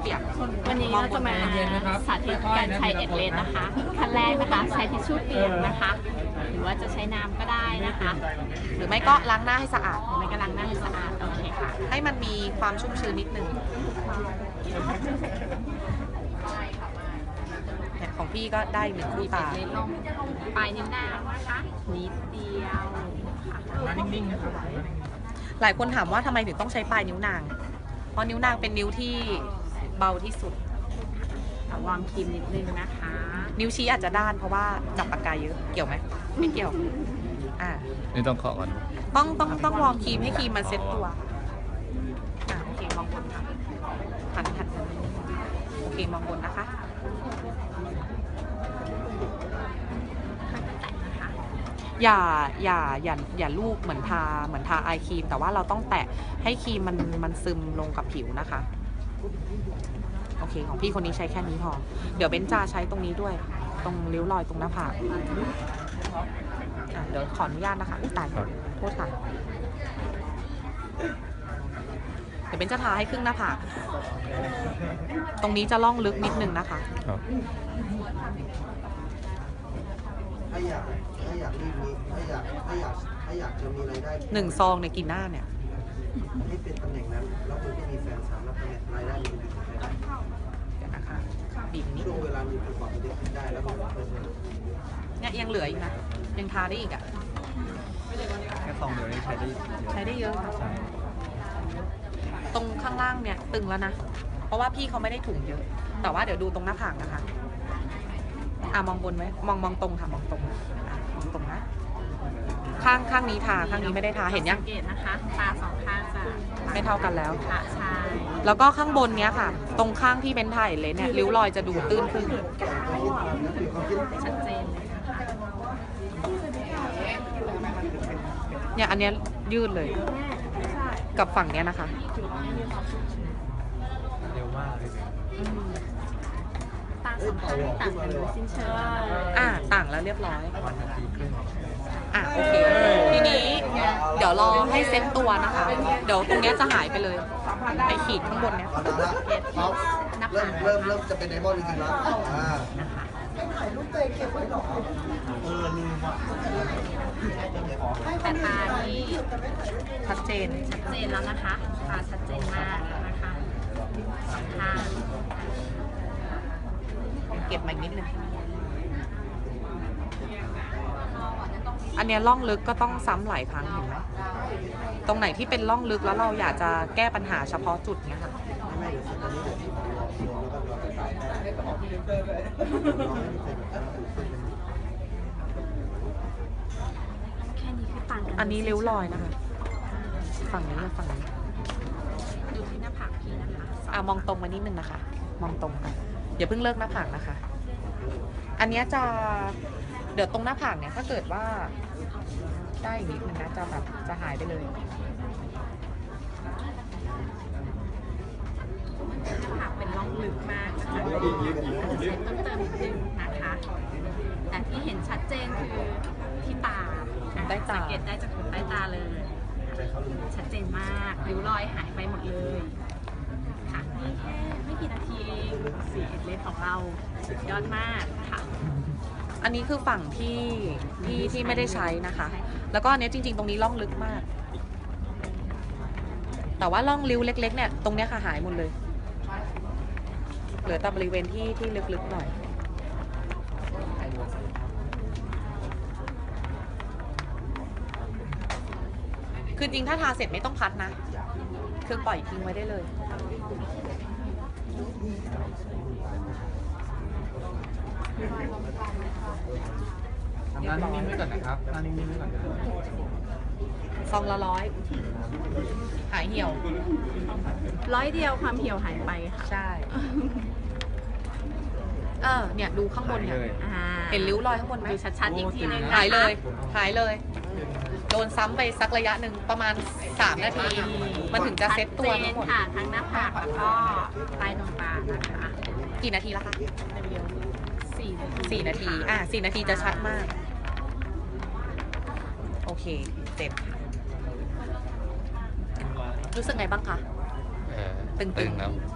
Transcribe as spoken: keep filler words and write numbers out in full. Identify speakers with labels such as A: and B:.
A: เปียก
B: วันนี้เราจะมาสาธิตการใช้เอ็ดเลนนะคะขั้นแรกนะคะใช้ทิชชู่เปียกนะคะ หรือว่าจะใช้น้ำก็ได้นะคะ
A: หรือไม่ก็ล้างหน้าให้สะอาด
B: หรือไม่ก็ล้างหน้าให้สะอาดโอเคค่ะ
A: ให้มันมีความชุ่มชื้นนิดนึงเนี่ยของพี่ก็ได้หนึ่งคู่ตา
B: เอ็ดเลนลงปลายนิ้วนางนะคะนิดเดียวค่ะ
C: นิ่งๆนะครับ
A: หลายคนถามว่าทำไมถึงต้องใช้ปลายนิ้วนาง เพราะนิ้วนางเป็นนิ้วที่เบาที่สุด
B: เอาวางครีมนิดนึงนะคะ
A: นิ้วชี้อาจจะด้านเพราะว่าจับปากกาเยอะ เกี่ยวไหมไม่เกี่ยว อ่า
C: นี่ต้องขอก่อน
A: ต้องต้องต้องวอร์มครีมให้ครีมมันเซ็ตตัว อ่าโอเคมองบนค่ะหันหันโอเคมองบนนะคะ อย่าอย่าอย่าอย่าลูบเหมือนทาเหมือนทาไอครีม แต่ว่าเราต้องแตะให้ครีมมันมันซึมลงกับผิวนะคะ โอเคของพี่คนนี้ใช้แค่นี้พอ เดี๋ยวเบนจาใช้ตรงนี้ด้วย ตรงริ้วรอยตรงหน้าผากอ่ะเดี๋ยวขออนุญาตนะคะอุ้ยตายโทษค่ะ เดี๋ยวเบนจะทาให้ครึ่งหน้าผาก ตรงนี้จะล่องลึกนิดนึงนะคะ
C: ครับ
D: ถ้าอยากถ้าอยากรีบมีถ้าอยากถ้าอยากถ้าอยากจะมีรายได้
A: หนึ่งซองในยกี่หน้าเนี่ย
D: ให้เป็นตำแหน่งนั้น แล้วคุณก็มีแฟนสามแล้วตำแหน่งรายได้มันเป็นยังไงได้
A: เดี๋ยวนะคะบีบนิด
D: ช่วงเวลามีประกอบเด็กได้แล้วก็
A: เนี่ยยังเหลืออีกนะ ยังทาได้อีกอ่ะ
C: แค่ซองเดียวนี่ใช้ได้เยอะ
A: ใช้ได้เยอะค่ะ ตรงข้างล่างเนี่ยตึงแล้วนะ เพราะว่าพี่เขาไม่ได้ถุงเยอะ แต่ว่าเดี๋ยวดูตรงหน้าผากนะคะ อ่ะมองบนไว้มองมองตรงค่ะมองตรงอ่ะมองตรงนะ ข้างข้างนี้ทาข้างนี้ไม่ได้ทาเห็นยัง
B: สังเกตนะคะตาสองข้างจะ
A: ไม่เท่ากันแล้ว
B: ค่ะใช่
A: แล้วก็ข้างบนเนี้ยค่ะ ตรงข้างที่เป็นถ่ายเลนเนี่ยริ้วรอยจะดูตื้นขึ้น
B: ชัดเจนเลยนะคะ
A: เนี่ยอันเนี้ยยืดเลย กับฝั่งเนี้ยนะคะ
C: เร็วมากเลย
A: อืม
B: ตาสองข้างต่างกันโดยสิ้นเชิง
A: อ่ะต่างแล้วเรียบร้อย
C: วันนาทีครึ่ง
A: อ่ะโอเค ทีนี้เดี๋ยวรอให้เซ็ตตัวนะคะ เดี๋ยวตรงเนี้ยจะหายไปเลยไอขีดข้างบนเนี้ย
D: เอาละเอาเริ่มเริ่มเริ่มจะเป็นไดมอนด์จริงๆแล้วอ่าเออลืมว่ะ
B: แต่ตานี่
A: ชัดเจน
B: ชัดเจนแล้วนะคะตาชัดเจนมากแล้วนะคะสองข้าง
A: เก็บมาอีกนิดนึง อันเนี้ยล่องลึกก็ต้องซ้ำหลายครั้งเห็นไหมตรงไหนที่เป็นล่องลึกแล้วเราอยากจะแก้ปัญหาเฉพาะจุดเนี้ยค่ะ
D: ไม่เดี๋ยวตอนนี้เดี๋ยวที่ผมรอรวมแล้วก็รอไป
B: แค่นี้คือต่างกัน
A: อันนี้ริ้วรอยนะคะ ฝั่งนี้กับฝั่งนี้
B: ดูที่หน้าผากพี่นะคะ
A: อ่ะมองตรงมานิดนึงนะคะ มองตรงค่ะอย่าเพิ่งเลิกหน้าผากนะคะ อันเนี้ยจะเดี๋ยวตรงหน้าผากเนี่ยถ้าเกิดว่าได้อีกนิดนึงนะจะแบบจะหายไปเลย
B: หน้าผากเป็นร่องลึกมากนะคะเช็ดต้องเติมนิดนึงนะคะ แต่ที่เห็นชัดเจนคือที่ตาอ่ะ
A: ใต้ตา
B: สังเกตได้จากขนใต้ตาเลย ชัดเจนมากริ้วรอยหายไปหมดเลยค่ะนี่แค่ไม่กี่นาทีเองสีเอ็ดเลสของเราสุดยอดมากค่ะ
A: อันนี้คือฝั่งที่ที่ที่ไม่ได้ใช้นะคะ แล้วก็อันเนี้ยจริงๆ ตรงนี้ล่องลึกมาก แต่ว่าล่องริ้วเล็กๆเนี่ยตรงเนี้ยค่ะหายหมดเลย เหลือแต่บริเวณที่ที่ลึกๆหน่อย คือจริงถ้าทาเสร็จไม่ต้องพัดนะ คือปล่อยทิ้งไว้ได้เลย
C: ทำหน้านิ่งๆไว้ก่อนนะครับหน้านิ่งๆไว้ก่อนนะครับ
A: ซองละร้อย หายเหี่ยว
B: ร้อยเดียวความเหี่ยวหายไปค่ะ
A: ใช่ เออ เนี่ยดูข้างบนเนี่ย
B: อ่า
A: เห็นริ้วรอยข้างบนไหม
B: ดูชัดๆอีกทีนึงนะคะ
A: หายเลย หายเลย โดนซ้ำไปสักระยะหนึ่งประมาณสามนาที มันถึงจะเซ็ตตัวทั้งหมด
B: ชัเจนค่ะทั้งหน้าผากแล้วก็ใต้ดวงตานะคะ
A: กี่นาทีแล้วคะ
B: สี่นาที
A: สี่นาที อ่ะสี่นาทีจะชัดมาก โอเคเจ็บรู้สึกไงบ้างคะ
C: เออ
A: ตึงๆ
C: ตึงแล้ว